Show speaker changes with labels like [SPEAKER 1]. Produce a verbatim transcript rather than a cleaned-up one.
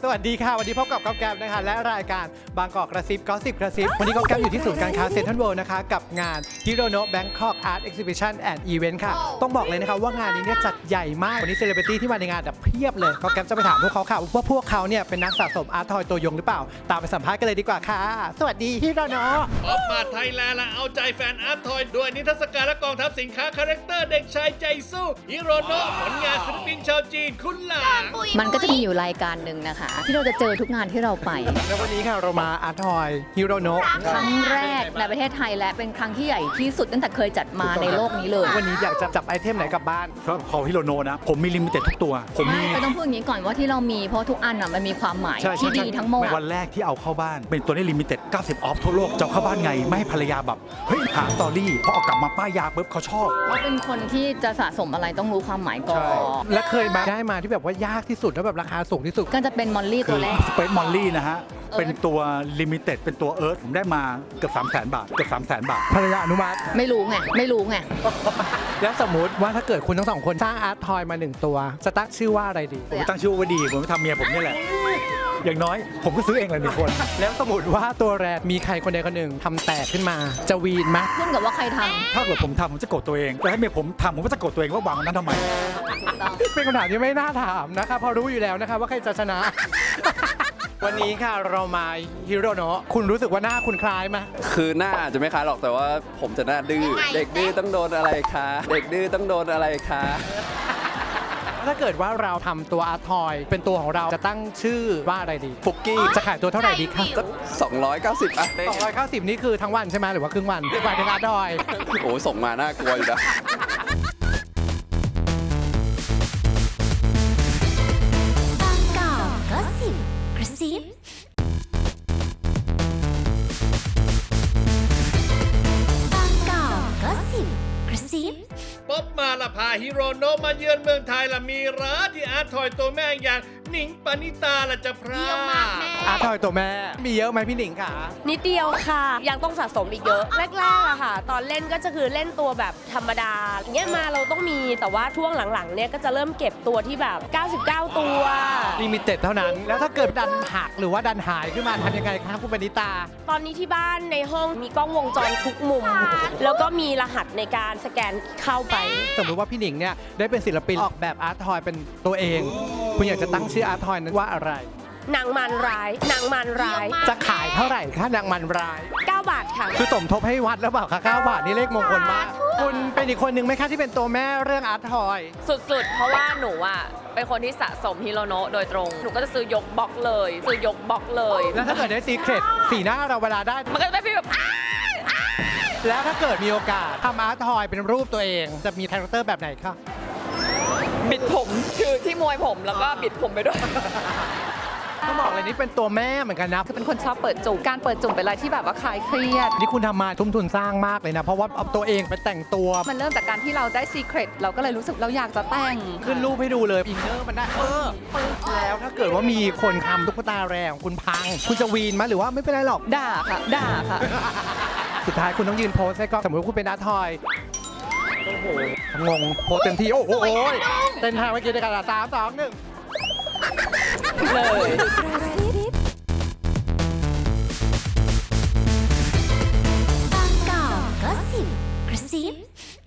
[SPEAKER 1] สวัสดีค่ะวันนี้พบกับก๊อฟแก๊ปนะคะและรายการบางกอกกระซิบก็สิบกระซิบวันนี้ก๊อฟแก๊ปอยู่ที่ศูนย์การค้าเซ็นทรัลเวิลด์นะคะกับงาน Hirono Bangkok Art Exhibition and Event ค่ะต้องบอกเลยนะคะว่างานนี้เนี่ยจัดใหญ่มากวันนี้เซเลบริตี้ที่มาในงานแบบเพียบเลยก๊อฟแก๊ปจะไปถามพวกเขาค่ะว่าพวกเขาเนี่ยเป็นนักสะสมอาร์ตทอยตัวยงหรือเปล่าตามไปสัมภาษณ์กันเลยดีกว่าค่ะสวัสดีฮิโรโนะ
[SPEAKER 2] ออกมาไทยแลนด์ละเอาใจแฟนอาร์ตทอยด้วยนิทรรศการและกองทัพสินค้าคาแรคเตอร์เด็กชายใจสู้ฮิโรโนะผลงานศิลปินชาวจีนคุณหลาง
[SPEAKER 3] มันก็จะมีอยู่รายการหนึ่งนะคะที่เราจะเจอทุกงานที่เราไป
[SPEAKER 1] แล้ววันนี้ค่ะเรามาอาร์ตทอยฮิโรโนะ
[SPEAKER 3] ครั้งแรกในประเทศไทยและเป็นครั้งที่ใหญ่ที่สุดตั้งแต่เคยจัดมาในโลกนี้เลย
[SPEAKER 1] วันนี้อยากจะจับไอเทมไหนกลับบ้าน
[SPEAKER 4] สำหรับของฮิโรโนะนะผมมีลิมิเต็ดทุกตัวผมมี
[SPEAKER 3] ไม่ต้องพูดอย่างนี้ก่อนว่าที่เรามีเพราะทุกอันน่ะมันมีความหมาย
[SPEAKER 4] ใช่
[SPEAKER 3] ที่
[SPEAKER 4] ใช่
[SPEAKER 3] ดีทั้งหมด
[SPEAKER 4] วันแรกที่เอาเข้าบ้าน เป็นตัวนี้ลิมิเต็ดเก้าสิบออฟทั่วโลกจะเอาเข้าบ้านไงไม่ให้ภรรยาแบบเฮ้ยหาสตอรี่พอเอากลับมาป้ายยาปุ๊บเขาชอบ
[SPEAKER 3] เพราะเป็นคนที่จะสะสมอะไรต้องรู้ความหมายก่อน
[SPEAKER 1] และเคยมาได้มาที่แบบว่ายากที่สุดแล้วแบบราคาสูงที่สุด
[SPEAKER 3] ก็จะเป็นมอลลี่ตัวแรก
[SPEAKER 4] สเปซมอลลี่นะฮะ
[SPEAKER 3] เอิร์ธ
[SPEAKER 4] เป็นตัวลิมิเต็ดเป็นตัวเอิร์ธผมได้มาเกือบสามแสนบาทเกือบสามแสนบาท
[SPEAKER 1] ภรรยาอนุมัติ
[SPEAKER 3] ไม่รู้ไงไม่รู้ไง
[SPEAKER 1] แล้วสมมุติว่าถ้าเกิดคุณทั้งสองคนสร้างอาร์ตทอยมาหนึ่งตัวจะตั้งชื่อว่าอะไรดี
[SPEAKER 4] ผมตั้งชื่อว่าดีผมไปทำเมียผมนี่แหละ อย่างน้อยผมก็ซื้อเองเลยหนึ่งคน
[SPEAKER 1] แล้วสมมติว่าตัวแรกมีใครคนใดคนหนึ่งทำแตกขึ้นมาจะวีนไหม
[SPEAKER 3] ขึ้นกับว่าใครท
[SPEAKER 4] ถ้าเกิดผมทำผมจะโกรธตัวเองแต่ถ้าเมียผมทำผมก็จะโกรธตัวเองว่าวางนั้นทำไม
[SPEAKER 3] ำถูกต้อง
[SPEAKER 1] เป็นคำถามที่ไม่น่าถามนะคะเพราะรู้อยู่แล้วนะคะว่าใครจะชนะ วันนี้ค่ะเรามาฮิโรโนะคุณรู้สึกว่าหน้าคุณคล้ายไหม
[SPEAKER 5] คือหน้าอาจจะไม่คล้ายหรอกแต่ว่าผมจะหน้าดื้อเด็กดื้อต้องโดนอะไรคะ เด็กดื้อต้องโดนอะไรคะ
[SPEAKER 1] ถ้าเกิดว่าเราทำตัวอาร์ตทอยเป็นตัวของเราจะตั้งชื่อว่าอะไรดีฟุกกี้จะขายตัวเท่าไหร่ดีคะ
[SPEAKER 5] สักสองร้อยเก้าสิบอ่ะ
[SPEAKER 1] สองร้อยเก้าสิบนี่คือทั้งวันใช่ไหมหรือว่าครึ่งวันหมายถึงอาร์ตทอย
[SPEAKER 5] โอ้ยส่งมาน่ากลัวอยู่นะ
[SPEAKER 6] บางกอกก็สิบกระซิบางกอกก็สิบกระซิบ
[SPEAKER 2] ป๊อบมาละพาฮิโรโนะมาเยือนเมืองไทยละมีร้านที่อาร์ตทอยตัวแม่อย่างหนิงปณิตาละจะพรา
[SPEAKER 1] อาร์ตทอยตัวแม่มีเยอะไหมพี่หนิงคะ
[SPEAKER 7] นิดเดียวค่ะ ยังต้องสะสมอีกเยอะ แรกๆอะค่ะ ตอนเล่นก็จะคือเล่นตัวแบบธรรมดาอย่างเงี้ยมาเราต้องมีแต่ว่าช่วงหลังๆเนี่ยก็จะเริ่มเก็บตัวที่แบบ เก้าสิบเก้า ตัว
[SPEAKER 1] ลิมิเต็ดเท่านั้น แล้วถ้าเกิดดันหักหรือว่าดันหายขึ้นมาทำยังไงคะคุณปณิตา
[SPEAKER 7] ตอนนี้ที่บ้านในห้องมีกล้องวงจรทุกมุม แล้วก็มีรหัสในการสแกนเข้าไป
[SPEAKER 1] สมมติว่าพี่หนิงเนี่ยได้เป็นศิลปินออกแบบอาร์ตทอยเป็นตัวเอง คุณอยากจะตั้งชื่ออาร์ตทอยนั้นว่าอะไร
[SPEAKER 7] นางมันร้าย นางมันร้าย
[SPEAKER 1] จะขายเท่าไหร่คะนางมันราย
[SPEAKER 7] เก้า บาทค่ะ
[SPEAKER 1] คือสมทบให้วัดแล้วเปล่าคะเก้าบาทนี่เลขมงคลมาก คุณเป็นอีกคนหนึ่งไหมคะที่เป็นตัวแม่เรื่องอาร์ตทอย
[SPEAKER 8] สุดๆ เพราะว่าหนูอ่ะเป็นคนที่สะสมฮิโรโนะโดยตรง หนูก็จะซื้อยกบล็อกเลย ซื้อยกบล็อกเลย
[SPEAKER 1] แล้วถ้าเกิดได้ซีเครตสีหน้าเราเวลาได้
[SPEAKER 8] มันก็จะเป็นฟีลแบบอ้า
[SPEAKER 1] แล้วถ้าเกิดมีโอกาสทำอาร์ตทอยเป็นรูปตัวเอง จะมีคาแรคเตอร์แบบไหนคะ
[SPEAKER 8] บิดผมคือที่มวยผมแล้วก็บิดผมไปด้วย
[SPEAKER 1] ต้องบอกเลยนี่เป็นตัวแม่เหมือนกันนะ
[SPEAKER 9] คือเป็นคนชอบเปิดจุ่มการเปิดจุ่มเป็นอะไรที่แบบว่าคลายเครียด
[SPEAKER 1] นี่คุณทำมาทุ่มทุนสร้างมากเลยนะ เพราะว่าเอาตัวเองไปแต่งตัว
[SPEAKER 9] มันเริ่มจากการที่เราได้ซีเครตเราก็เลยรู้สึกเราอยากจะแต่ง
[SPEAKER 1] ขึ้นรูปให้ดูเลยอินเนอร์มันได้เออแล้วถ้าเกิดว่ามีคนทำตุ๊กตาแรงคุณพัง คุณจะวีนไหมหรือว่าไม่เป็นไรหรอก
[SPEAKER 9] ด่าค่ะ ด่าค่ะ
[SPEAKER 1] สุดท้ายคุณต้องยืนโพสให้กล้องสมมติว่าคุณเป็นอาร์ตทอยโอ้โหงงโพสเต็มที่โอ้โหเต้นท่าเมื่อกี้ในกระดาษสามสองหนึ่ง
[SPEAKER 8] เลย
[SPEAKER 6] บางกอกก็สิบกระซิบ